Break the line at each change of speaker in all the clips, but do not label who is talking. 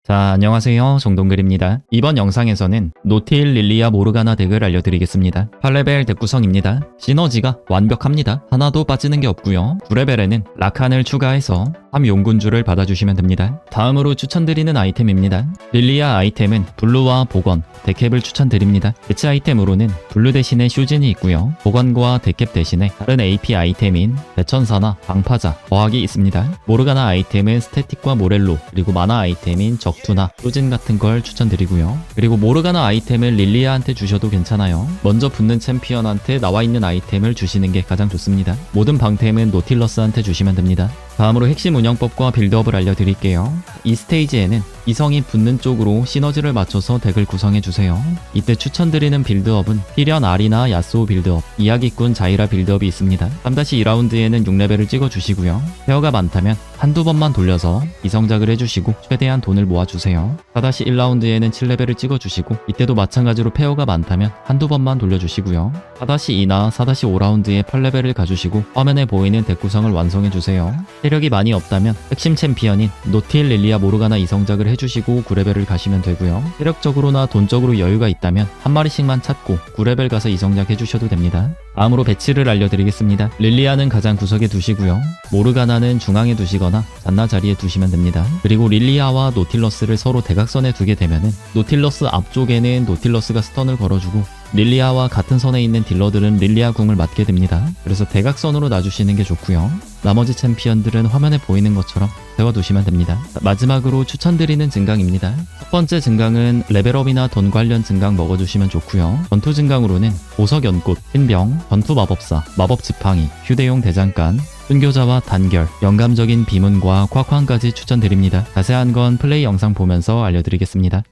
자, 안녕하세요. 정동글입니다. 이번 영상에서는 노틸 릴리아 모르가나 덱을 알려드리겠습니다. 8레벨 덱 구성입니다. 시너지가 완벽합니다. 하나도 빠지는 게 없고요. 9레벨에는 라칸을 추가해서 3용군주를 받아주시면 됩니다. 다음으로 추천드리는 아이템입니다. 릴리아 아이템은 블루와 복원, 데캡을 추천드립니다. 대체 아이템으로는 블루 대신에 슈진이 있고요. 복원과 데캡 대신에 다른 AP 아이템인 대천사나 방파자, 거학이 있습니다. 모르가나 아이템은 스태틱과 모렐로, 그리고 마나 아이템인 적투나 슈진 같은 걸 추천드리고요. 그리고 모르가나 아이템을 릴리아한테 주셔도 괜찮아요. 먼저 붙는 챔피언한테 나와있는 아이템을 주시는 게 가장 좋습니다. 모든 방템은 노틸러스한테 주시면 됩니다. 다음으로 핵심 운영법과 빌드업을 알려드릴게요. 이 스테이지에는 이성이 붙는 쪽으로 시너지를 맞춰서 덱을 구성해주세요. 이때 추천드리는 빌드업은 피련 아리나 야스오 빌드업, 이야기꾼 자이라 빌드업이 있습니다. 3-2라운드에는 6레벨을 찍어주시고요. 페어가 많다면 한두 번만 돌려서 이성작을 해주시고 최대한 돈을 모아주세요. 4-1라운드에는 7레벨을 찍어주시고 이때도 마찬가지로 페어가 많다면 한두 번만 돌려주시고요. 4-2나 4-5라운드에 8레벨을 가주시고 화면에 보이는 덱 구성을 완성해주세요. 체력이 많이 없다면 핵심 챔피언인 노틸 릴리아 모르가나 이성작을 해주시고 9레벨을 가시면 되고요. 체력적으로나 돈적으로 여유가 있다면 한 마리씩만 찾고 9레벨 가서 이성작 해주셔도 됩니다. 다음으로 배치를 알려드리겠습니다. 릴리아는 가장 구석에 두시고요. 모르가나는 중앙에 두시거나 잔나 자리에 두시면 됩니다. 그리고 릴리아와 노틸러스를 서로 대각선에 두게 되면은 노틸러스 앞쪽에는 노틸러스가 스턴을 걸어주고 릴리아와 같은 선에 있는 딜러들은 릴리아 궁을 맞게 됩니다. 그래서 대각선으로 놔주시는 게 좋고요. 나머지 챔피언들은 화면에 보이는 것처럼 세워두시면 됩니다. 마지막으로 추천드리는 증강입니다. 첫 번째 증강은 레벨업이나 돈 관련 증강 먹어주시면 좋고요. 전투 증강으로는 보석 연꽃, 흰병, 전투 마법사, 마법 지팡이, 휴대용 대장간, 순교자와 단결, 영감적인 비문과 콱콱까지 추천드립니다. 자세한 건 플레이 영상 보면서 알려드리겠습니다.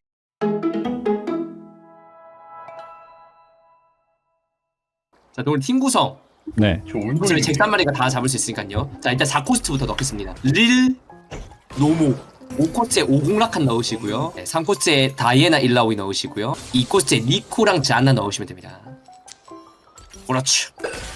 자, 오늘 팀 구성.
네.
어차피 잭산 마리가 다 잡을 수 있으니까요. 자, 일단 4코스트부터 넣겠습니다. 릴, 노모. 5코스트에 50라칸 넣으시고요. 네, 3코스트에 다이애나 일라오이 넣으시고요. 2코스트에 니코랑 자나 넣으시면 됩니다. 그렇죠.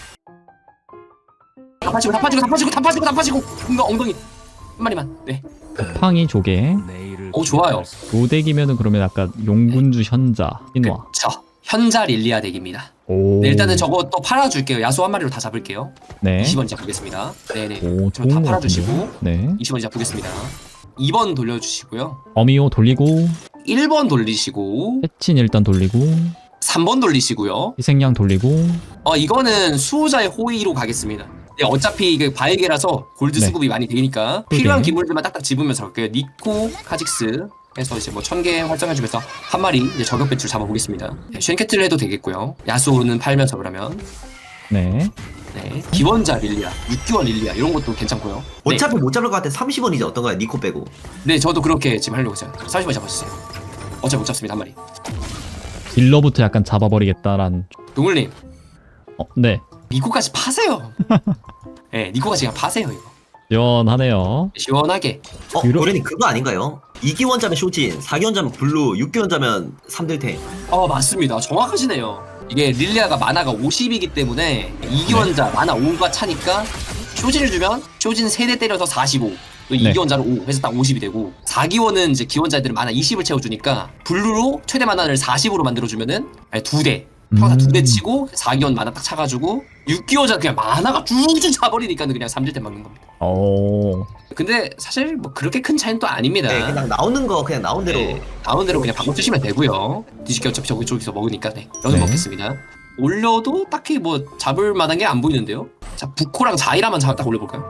다 파시고. 엉덩이. 한 마리만. 네.
팡이 조개.
오, 좋아요.
도덱이면은 그러면 아까 용군주 현자, 신화.
그쵸. 현자 릴리아 덱입니다.
오.
네, 일단은 저거 또 팔아줄게요. 야수 한 마리로 다 잡을게요.
네.
20원 잡겠습니다. 네네.
오,
저거 다
좋은 것
팔아주시고.
같은데요? 네.
20원 잡겠습니다. 2번 돌려주시고요.
어미오 돌리고
1번 돌리시고
해친 일단 돌리고
3번 돌리시고요.
희생양 돌리고
이거는 수호자의 호의로 가겠습니다. 네, 어차피 그 바에게라서 골드
네.
수급이 많이 되니까
그러게.
필요한 기물들만 딱딱 집으면서 갈게요. 니코, 카직스 해서 이제 뭐 1000개 활성해주면서 한 마리 이제 저격 배출 잡아보겠습니다. 네, 쉔캐틀을 해도 되겠고요. 야수오는 팔면서 그러면
네.
네, 기원자 릴리아, 6개월 릴리아 이런 것도 괜찮고요. 네,
어차피 못 잡을 것 같아. 30원이지 어떤가요? 니코 빼고.
네, 저도 그렇게 지금 하려고 했어요. 30번 잡아주세요. 어차피 못 잡습니다, 한 마리.
딜러부터 약간 잡아버리겠다란.
동물님,
네.
니코까지 파세요. 네, 니코까지 그냥 파세요 이거.
시원하네요.
시원하게.
고래니 그거 아닌가요? 2기원자면 쇼진, 4기원자면 블루, 6기원자면 3딜탱.
맞습니다. 정확하시네요. 이게 릴리아가 마나가 50이기 때문에 2기원자 마나 5가 차니까 쇼진을 주면 쇼진 3대 때려서 45. 또
네.
2기원자로 5 해서 딱 50이 되고 4기원은 이제 기원자들은 마나 20을 채워주니까 블루로 최대 마나를 40으로 만들어주면은 2대 평타 2대 치고 4기원 마나 딱 차가지고 6기원자 그냥 마나가 쭉쭉 차버리니까 그냥 3딜 때 막는 겁니다.
오.
근데 사실 뭐 그렇게 큰 차이는 또 아닙니다.
네, 그냥 나오는 거 그냥 나온 대로.
네, 나온 대로 그냥 바꿔 쓰시면 되고요. 뒤집기 어차피 저기서 먹으니까 네, 연어
네.
먹겠습니다. 올려도 딱히 뭐 잡을 만한 게 안 보이는데요. 자, 부코랑 자이라만 딱 올려볼까요?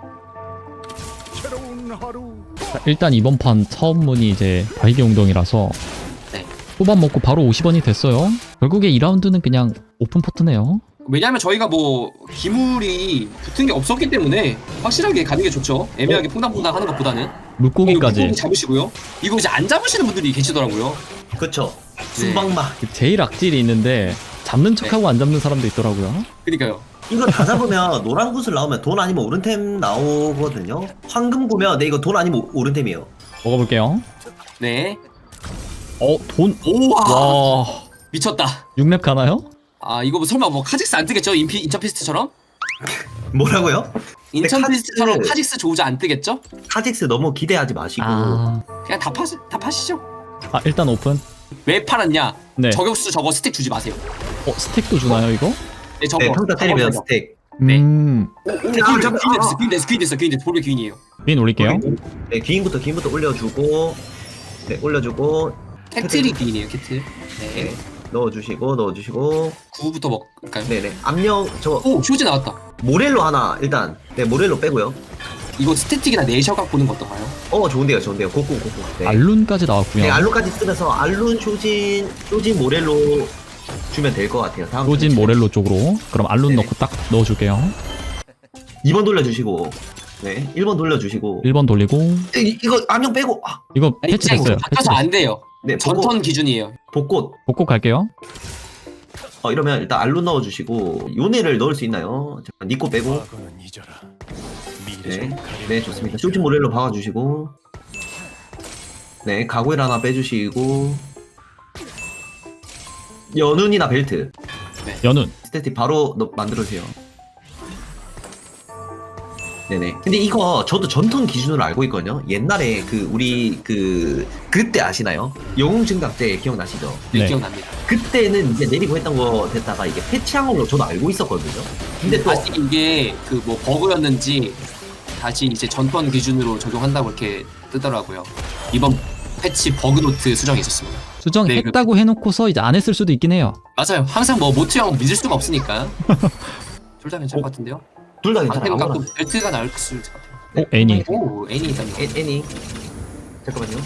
자, 일단 이번 판 처음 문이 이제 발기 웅덩이라서
네.
후반 먹고 바로 50원이 됐어요. 결국에 2라운드는 그냥 오픈 포트네요.
왜냐하면 저희가 뭐 기물이 붙은 게 없었기 때문에 확실하게 가는 게 좋죠. 애매하게 퐁당퐁당 하는 것보다는.
물고기까지.
물고기 잡으시고요. 이거 이제 안 잡으시는 분들이 계시더라고요.
그쵸. 순방마.
제일 악질이 있는데 잡는 척하고 안 잡는 사람도 있더라고요.
그러니까요.
이거 다 잡으면 노란 구슬 나오면 돈 아니면 오른템 나오거든요. 황금 구면 이거 돈 아니면 오른템이에요.
먹어볼게요.
네.
돈.
오와
와.
미쳤다.
6렙 가나요?
이거 뭐 설마 뭐 카직스 안 뜨겠죠? 인처피스트처럼?
뭐라고요?
인천
카직스-
피스처럼 카직스 조우자 안 뜨겠죠?
카직스 너무 기대하지 마시고
그냥 다 파시죠.
일단 오픈.
왜 팔았냐?
네.
저격수 저거 스택 주지 마세요.
스택도 주나요 이거?
네, 저거.
네, 평타 때리면 스택.
네.
잠깐.
귀인 됐어. 볼베 귀인이에요.
빈 올릴게요.
네, 귀인부터 올려주고, 네, 올려주고,
캐틀이 귀인이에요, 캐틀.
네,
네.
넣어주시고,
9부터 먹을까요?
네네, 압력 저거
오, 쇼즈 나왔다.
모렐로 하나 일단, 네, 모렐로 빼고요.
이거 스태틱이나 내셔각 보는 거 어떤가요?
좋은데요. 고고. 네.
알룬까지 나왔고요.
네, 알론까지 쓰면서 알론 쇼진 모렐로 주면 될 것 같아요. 다음
로진 모렐로 쪽으로. 그럼 알룬
네네.
넣고 딱 넣어줄게요.
2번 돌려주시고, 네, 1번 돌려주시고.
1번 돌리고.
이거 암용 빼고,
이거
아니,
패치됐어요.
그냥 바꿔서 안 돼요.
네,
전턴 기준이에요.
복꽃.
복고 갈게요.
이러면 일단 알론 넣어주시고, 요네를 넣을 수 있나요? 잠깐 니코 빼고. 네, 좋습니다. 쇼진 모렐로 박아주시고, 네, 가구일 하나 빼주시고, 연운이나 벨트
연운.
스태틱 바로 만들어주세요. 네네. 근데 이거 저도 전턴 기준으로 알고 있거든요. 옛날에 우리 그때 아시나요? 영웅 증강 때 기억나시죠?
네,
네.
기억납니다.
그때는 이제 내리고 했던 거 됐다가 이게 패치한 걸로 저도 알고 있었거든요. 근데 또
다시 이게 뭐 버그였는지 다시 이제 전턴 기준으로 적용한다고 이렇게 뜨더라고요. 이번 패치 버그 노트 수정이 있었습니다.
수정했다고 해놓고서 이제 안 했을 수도 있긴 해요.
맞아요. 항상 뭐 모트 형 믿을 수가 없으니까. 둘 다 괜찮을 것 같은데요?
둘 다 괜찮아요.
안테는
아무나.
갖고 벨트가 나을 수 있을 것 같아요.
애니.
오, 애니 일단.
애니. 잠깐만요.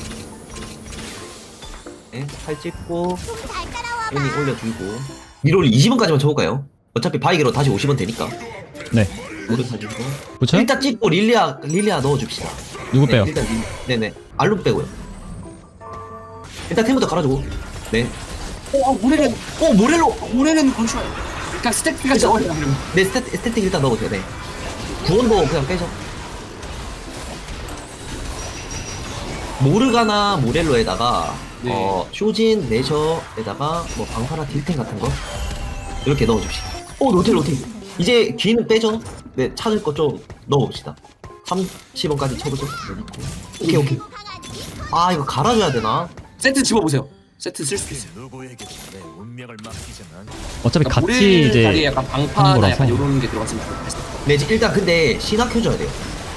네, 팔 찍고 애니 올려주고 1월 20원까지만 쳐볼까요? 어차피 바이게로 다시 50원 되니까.
네.
오른 사주고
그쵸?
일단 찍고 릴리아 넣어줍시다.
누구 빼요?
일단 네네 알룸 빼고요. 일단 템부터 갈아주고. 네.
모레는
모렐로.
건슈아요. 그냥 스택가 적어요. 그러면.
네 스태틱 일단 넣어보세요. 네. 구원도 그냥 빼죠. 모르가나 모렐로에다가
네.
쇼진 내셔에다가 뭐 방파라 딜템 같은 거 이렇게 넣어줍시다. 노틸. 이제 귀는 빼죠. 네, 찾을 거 좀 넣어봅시다. 30원까지 쳐보죠. 오케이. 이거 갈아줘야 되나?
세트 집어보세요. 세트 쓸 수 있어요.
어차피 같이
모레 자리에
이제
약간
하는
방파나
거라서.
약간 요런 게 들어갔으면 좋겠어요.
네, 일단 근데 신화 켜줘야 돼요.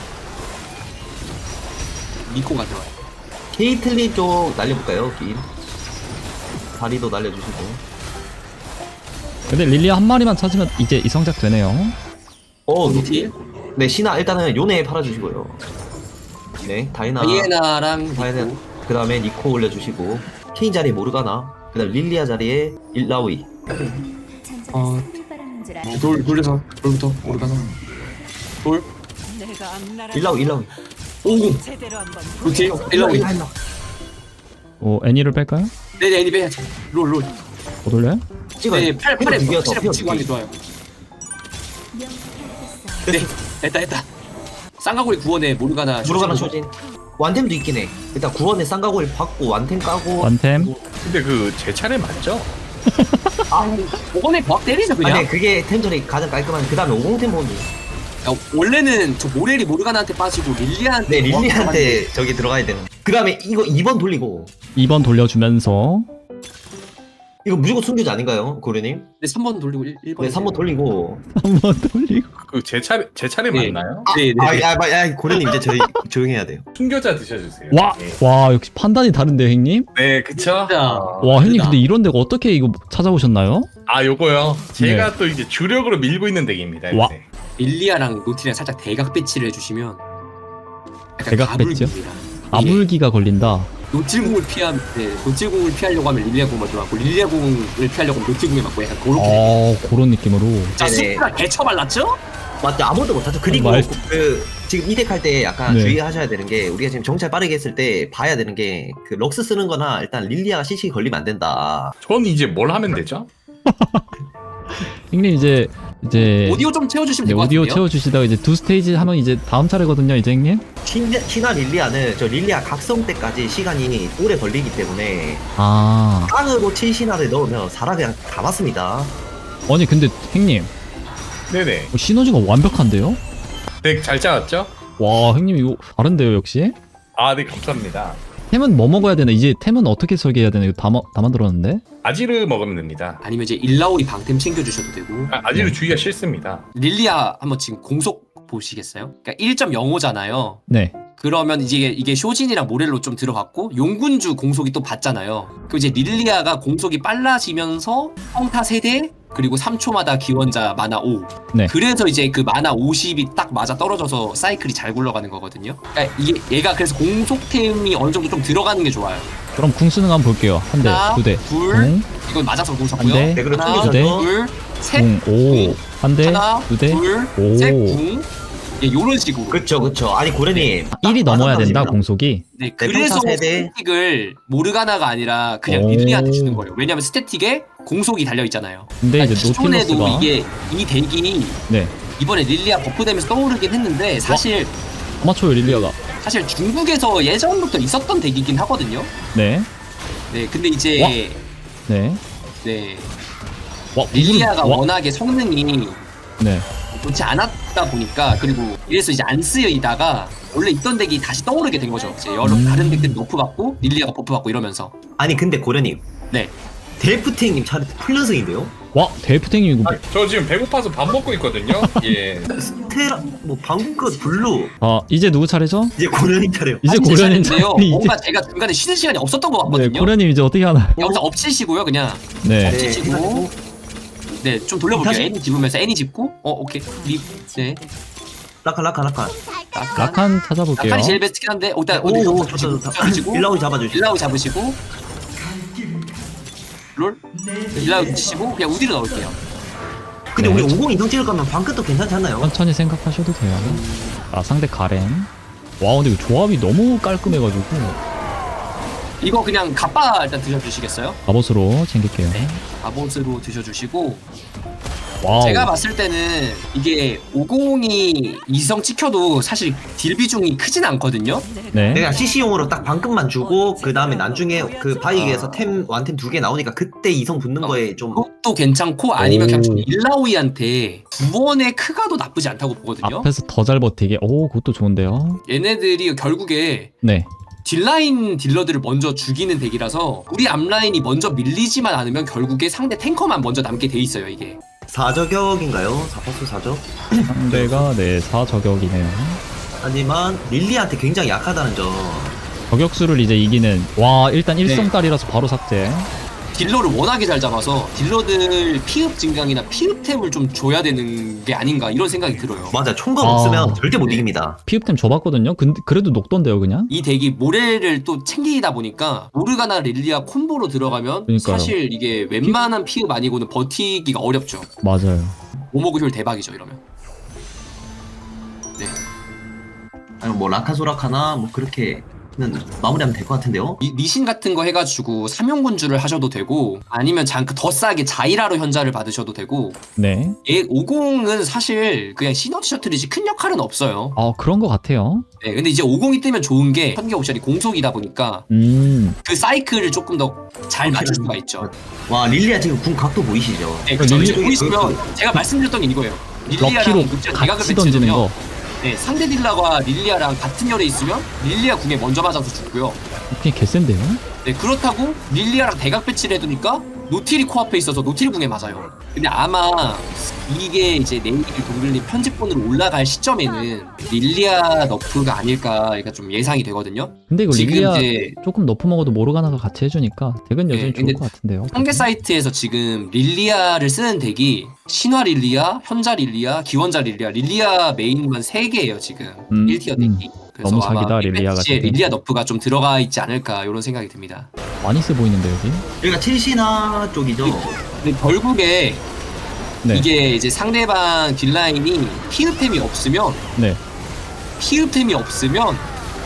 미코가 들어와요.
케이틀린 쪽 날려볼까요? 긴 다리도 날려주시고.
근데 릴리아 한 마리만 찾으면 이제 이성작 되네요.
노틸?
네, 신화 일단은 요네 팔아주시고요. 네,
다이애나랑
다이애나.
미코.
그 다음에 니코 올려주시고, 케인 자리에 모르가나, 그 다음 릴리아 자리에 일라우이.
돌려서 돌부터 오르가나. 돌.
일라우이.
50. 노틸. 일라오이.
애니를 뺄까요?
네네 애니 빼야지. 롤.
못 올려요?
찍어요.
네, 팔에
두 개여서
확실히
피어
붙이고 하는 게
두
좋아요. 네, 됐다. 쌍가골이 구원에 모르가나
모르가나 쇼진. 완템도 있긴 해. 일단 구원에 쌍가골 받고 완템 까고.
완템.
근데 제 차례 맞죠?
오건에 벽 때리죠 그냥.
네, 그게 템전이 가장 깔끔한. 그 다음에 50템 보는.
야, 원래는 저 모렐이 모르가나한테 빠지고 릴리아한테.
네, 릴리한테 저기 들어가야 되는. 그 다음에 이거 2번 돌리고.
2번 돌려주면서
이거 무조건 숨겨지 아닌가요, 고려님?
네, 3번 돌리고 1번.
네, 3번 돌리고.
한 번 돌리고.
제 차례
네.
맞나요?
네.
고려님 이제 저희 조용해야 돼요.
숨겨자 드셔주세요.
와 역시 판단이 다른데요 형님?
네, 그쵸?
진짜.
와 형님 근데 이런 데가 어떻게 이거 찾아오셨나요?
요거요. 제가 또 이제 주력으로 밀고 있는 덱입니다.
와.
요새.
릴리아랑 노틸이랑 살짝 대각 배치를 해주시면. 약간
대각
가불기입니다.
배치요? 아물기가 걸린다.
노틸궁을 노틸궁을 피하려고 하면 릴리아 궁을 들어가고 릴리아 궁을 피하려고 하면 노틸궁에 맞고 약간 그렇게.
그런 느낌으로.
자,
네네.
스프가 개처발랐죠?
맞죠? 아무도 못하죠. 그리고
말-
지금 이덱 할 때 약간
네.
주의하셔야 되는 게 우리가 지금 정찰 빠르게 했을 때 봐야 되는 게 그 럭스 쓰는 거나 일단 릴리아가 CC 걸리면 안 된다.
전 이제 뭘 하면 되죠?
형님 이제
오디오 좀 채워주시면
네,
될 것
오디오
같은데요?
채워주시다가 이제 2스테이지 하면 이제 다음 차례거든요 이제 형님.
신화 릴리아는 저 릴리아 각성 때까지 시간이 오래 걸리기 때문에
아
깡으로 7신화를 넣으면 사라 그냥 다 맞습니다.
아니 근데 형님
네네.
시너지가 완벽한데요?
덱 잘 짜왔죠?
와 형님 이거 다른데요 역시?
아, 네, 감사합니다.
템은 뭐 먹어야 되나? 이제 템은 어떻게 설계해야 되나? 이거 다 만들었는데?
아지르 먹으면 됩니다.
아니면 이제 일라오이 방템 챙겨주셔도 되고.
아지르 주기가 싫습니다.
릴리아 한번 지금 공속 보시겠어요? 그러니까 1.05잖아요.
네.
그러면 이게 쇼진이랑 모렐로 좀 들어갔고 용군주 공속이 또 받잖아요. 그럼 이제 릴리아가 공속이 빨라지면서 평타 세대 그리고 3초마다 기원자 마나 5.
네.
그래서 이제 그 마나 50이 딱 맞아 떨어져서 사이클이 잘 굴러가는 거거든요. 그러니까 이게 얘가 그래서 공속템이 어느 정도 좀 들어가는 게 좋아요.
그럼 궁 쓰는 거 한번 볼게요. 한 대,
하나,
두 대.
둘.
궁,
이건 맞아서 공속고요.
한 대.
네, 그리고
하나,
두
대.
둘, 셋.
궁, 오. 한 대,
하나,
두 대.
둘,
오.
셋, 궁. 예, 요런 식으로.
그쵸. 아니 고래님.
1이 넘어야 된다,
맞았습니다.
공속이.
네,
네,
그래서
평타 세대.
스태틱을 모르가나가 아니라 그냥
오.
릴리한테 주는 거예요. 왜냐면 스태틱에 공속이 달려 있잖아요.
근데
그러니까
이제
기존에도
노틸러스가.
이게 이 덱이
네.
이번에 릴리아 버프되면서 떠오르긴 했는데 사실
아마추어 릴리아가.
중국에서 예전부터 있었던 덱이긴 하거든요.
네.
네, 근데 이제
네.
네
와,
릴리아가
와.
워낙에 성능이
네.
좋지 않았다 보니까 그리고 이래서 이제 안 쓰이다가 원래 있던 덱이 다시 떠오르게 된 거죠. 이제 여러 다른 덱들이 너프 받고 릴리아가 버프 받고 이러면서.
아니 근데 고래님.
네.
델프탱님 차례 풀연승인데요?
와, 대프탱이 이거.
저 지금 배고파서 밥 먹고 있거든요. 예.
스테라 뭐 방금 것 블루
아, 이제 누구 차례죠?
이제 고래님 차례요.
이제
진짜
고려님
잘했는데요.
차례. 이제.
뭔가 제가 중간에 쉬는 시간이 없었던 것
네,
같거든요.
고려님 이제 어떻게 하나?
여기서 엎치시고요, 그냥.
네.
네,
치시고.
해가지고
네, 좀 돌려볼게요.
다시-
애니 집으면서 애니 집고. 오케이. 네.
라칸.
라칸 찾아볼게요.
라칸이 제일 베스트긴 한데, 일단
오 좋다.
잡으시고.
일라우 잡아주시.
일라우 잡으시고. 롤. 일라우 치시고 그냥 우디로 넣을게요.
근데
네.
우리 50 이상 찍을 거면 방끝도 괜찮지 않나요?
천천히 생각하셔도 돼요. 아, 상대 가렌. 와, 근데 이거 조합이 너무 깔끔해가지고.
이거 그냥 갑바 일단 드셔주시겠어요?
갑옷으로 챙길게요.
네. 갑옷으로 드셔주시고.
와우.
제가 봤을 때는 이게 50이 이성 찍혀도 사실 딜 비중이 크진 않거든요.
네.
내가 CC용으로 딱 방금만 주고 그 다음에 나중에 그 바이에서 템 완템 2개 나오니까 그때 이성 붙는 거에 좀
그것도 괜찮고 아니면
오.
그냥 좀 일라오이한테 구원의 크가도 나쁘지 않다고 보거든요.
앞에서 더 잘 버티게. 오, 그것도 좋은데요.
얘네들이 결국에
네.
딜라인 딜러들을 먼저 죽이는 덱이라서 우리 앞라인이 먼저 밀리지만 않으면 결국에 상대 탱커만 먼저 남게 돼 있어요 이게.
4저격인가요? 4파수 4적?
상대가 네, 4저격이네요.
하지만 릴리한테 굉장히 약하다는 점.
저격수를 이제 이기는. 와, 일단
네.
일성깔이라서 바로 삭제.
딜러를 워낙에 잘 잡아서 딜러들 피흡 증강이나 피흡템을 좀 줘야 되는 게 아닌가 이런 생각이 들어요.
맞아 총각
아.
없으면 절대 못
네.
이깁니다.
피읍템 줘봤거든요. 근데 그래도 녹던데요, 그냥.
이 덱이 모렐을 또 챙기다 보니까 모르가나 릴리아 콤보로 들어가면
그러니까요.
사실 이게 웬만한 피흡 아니고는 버티기가 어렵죠.
맞아요.
오모그 효율 대박이죠 이러면. 네.
아니면 뭐 라카소라카나 뭐 그렇게는 마무리하면 될 것 같은데요.
리신 같은 거 해가지고 삼용군주를 하셔도 되고 아니면 더 싸게 자이라로 현자를 받으셔도 되고
네.
얘 50은 사실 그냥 시너지 셔틀이지 큰 역할은 없어요.
아, 그런 것 같아요.
네, 근데 이제 50이 뜨면 좋은 게 선계 옵션이 공속이다 보니까 그 사이클을 조금 더 잘 맞출 수가 있죠.
와 릴리아 지금 궁 각도 보이시죠?
네, 그쵸.
릴리-
이제 보이시면 제가 말씀드렸던 게 이거예요.
럭키로
릴리아랑 루치랑 대각을
같이 던지는
배치해주면
거.
네, 상대 딜라가 릴리아랑 같은 열에 있으면 릴리아 궁에 먼저 맞아서 죽고요.
그냥 개센데요?
네, 그렇다고 릴리아랑 대각 배치를 해두니까 노틸이 코앞에 있어서 노틸 궁에 맞아요. 근데 아마 이게 이제 내일 동글님 편집본으로 올라갈 시점에는 릴리아 너프가 아닐까 그러니까 좀 예상이 되거든요.
근데 이거
지금
릴리아
이제
조금 너프 먹어도 모르가나가 같이 해주니까 덱은 여전히
네,
좋을
근데
것 같은데요.
통계 사이트에서 지금 릴리아를 쓰는 덱이 신화 릴리아, 현자 릴리아, 기원자 릴리아, 릴리아 메인만 3개예요 지금 1티어 덱이. 그래서
너무 사기다,
아마
릴리아가
배치에
지금.
릴리아 너프가 좀 들어가 있지 않을까 이런 생각이 듭니다.
많이 세 보이는데 여기.
여기가 칠시나 쪽이죠.
근데 결국에
네.
이게 이제 상대방 딜라인이 피흡템이 없으면
네.
피흡템이 없으면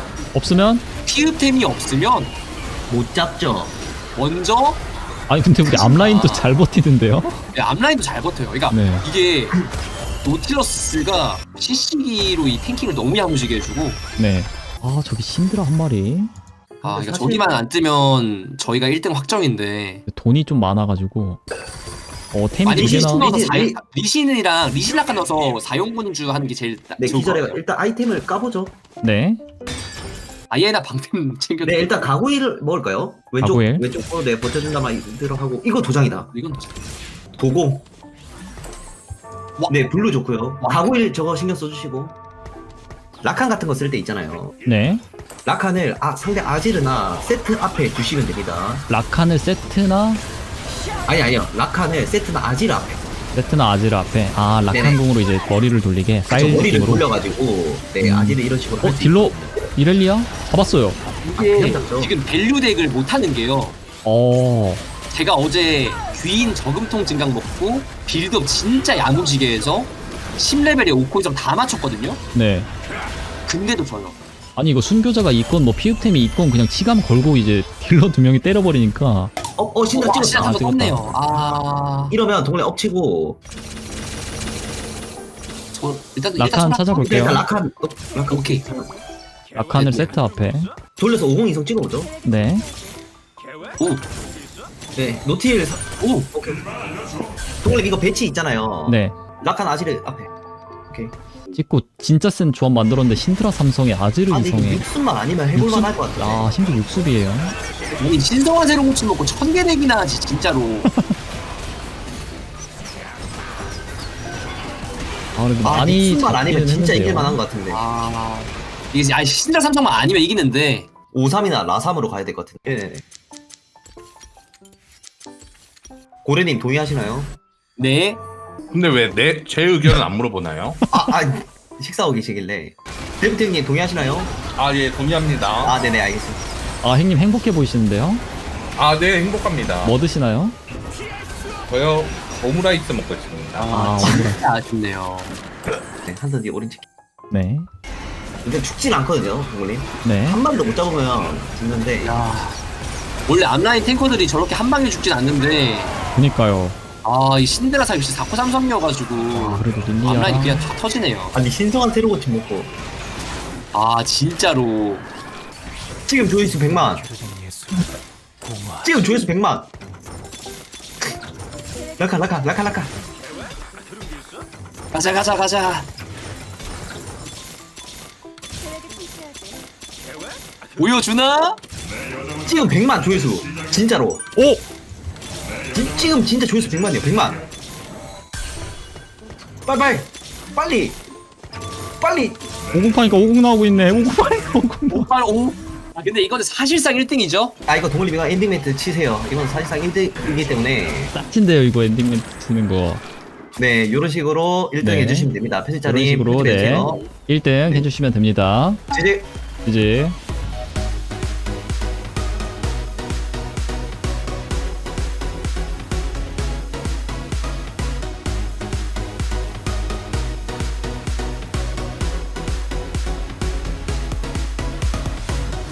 못 잡죠.
먼저
아니 근데 우리 앞라인도 잘 버티는데요?
앞라인도 잘 버텨요. 그러니까
네.
이게 노틸러스가 CC기로 이 탱킹을 너무 야무지게 해주고
네. 아, 저기 신드라 한 마리.
그러니까
사실-
저기만 안 뜨면 저희가 1등 확정인데
돈이 좀 많아가지고. 템이
아니
두
리신
개나.
넣어서
리신,
리신이랑 리신라카 넣어서 사용군주 하는 게 제일
네,
좋을 것
기절해.
같아요.
일단 아이템을 까보죠.
네.
아예나 방템 챙겨.
네, 일단 가구일 먹을까요? 왼쪽
가구일.
왼쪽 네 버텨준다만 들어가고 이거 도장이다.
이건 뭐지?
도공.
와.
네, 블루 좋고요.
와.
가구일 저거 신경 써주시고. 라칸 같은 거 쓸 때 있잖아요.
네.
라칸을 상대 아지르나 세트 앞에 두시면 됩니다.
라칸을 세트나
아니요. 라칸을 세트나 아지르 앞에.
세트나 아지르 앞에. 아
네네.
라칸공으로 이제 머리를 돌리게
그쵸,
사일
머리를
느낌으로.
돌려가지고 네 아지르 이런 식으로. 할수
딜러 이렐리아 잡았어요.
이게
그냥 잡죠.
지금 밸류 덱을 못 하는 게요.
어.
제가 어제 귀인 저금통 증강 먹고 빌드업 진짜 야무지게 해서 10레벨에 5코이점 다 맞췄거든요.
네.
근데도 져요.
아니 이거 순교자가 있건 뭐 피읍템이 있건 그냥 치감 걸고 이제 딜러 두 명이 때려버리니까.
신나
와,
찍었다.
진짜 또
찍었다.
떴네요. 아,
이러면 동네 엎치고
저 일단
라칸 찾아볼게요.
일단 라칸
오케이.
라칸을 세트 앞에.
돌려서 50 이성 찍어보죠.
네.
오,
네 노틸
오,
오케이. 동네 이거 배치 있잖아요.
네.
라칸 아지르 앞에. 오케이.
찍고 진짜 센 조합 만들었는데 신트라 삼성에 아지르
아니 이거
이성에.
육순만 아니면 해볼만 할 것 같은데.
아 심지어 육습이에요.
아니 신성한 새로 고침 먹고 1000개 덱이나 하지 진짜로.
아 그래도
아
많이
육순만 아니면
잡기는
진짜
했는데요.
이길만한 것 같은데.
아, 이게 아니 신드라 삼성만 아니면 이기는데.
53이나 라삼으로 가야 될 것 같은데. 네네네. 고래님 동의하시나요?
네.
근데 왜 제 의견은 안 물어보나요?
식사하고 계시길래. 데프팀님 동의하시나요?
아 예 동의합니다.
네네 알겠습니다.
아 형님 행복해 보이시는데요?
아 네 행복합니다.
뭐 드시나요?
저요 오므라이스 먹고 있습니다.
아
진짜 아쉽네요.
네, 한선 뒤 오린 치킨.
네.
근데 죽진 않거든요, 동물님.
네.
한 마리도 못 잡으면 죽는데.
야, 원래 앞라인 탱커들이 저렇게 한 방에 죽진 않는데.
그니까요.
아, 이 신데라사 역시 4코 삼성이어가지고
아 그래도 릴리아.
앞라인이 그냥 다 터지네요.
아니 신성한 새로 고침 먹고.
아, 진짜로.
지금 조회수 100만. 지금 조회수 100만. 라카.
가자. 보여주나?
지금 100만 조회수. 진짜로.
오!
지금 진짜 조회수 100만이요. 100만. 빨리.
50파니까 50 나오고 있네. 50파니까 50 나오고.
오빠, 오. 아, 근데 이거는 사실상 1등이죠?
이거 동물님이가 엔딩 멘트 치세요. 이건 사실상 1등이기 때문에.
짝친데요 이거 엔딩 멘트 주는 거.
네, 요런 식으로 1등
네.
해주시면 됩니다.
이런
편집자님.
식으로 네. 1등 해주시면 됩니다.
제재.
이제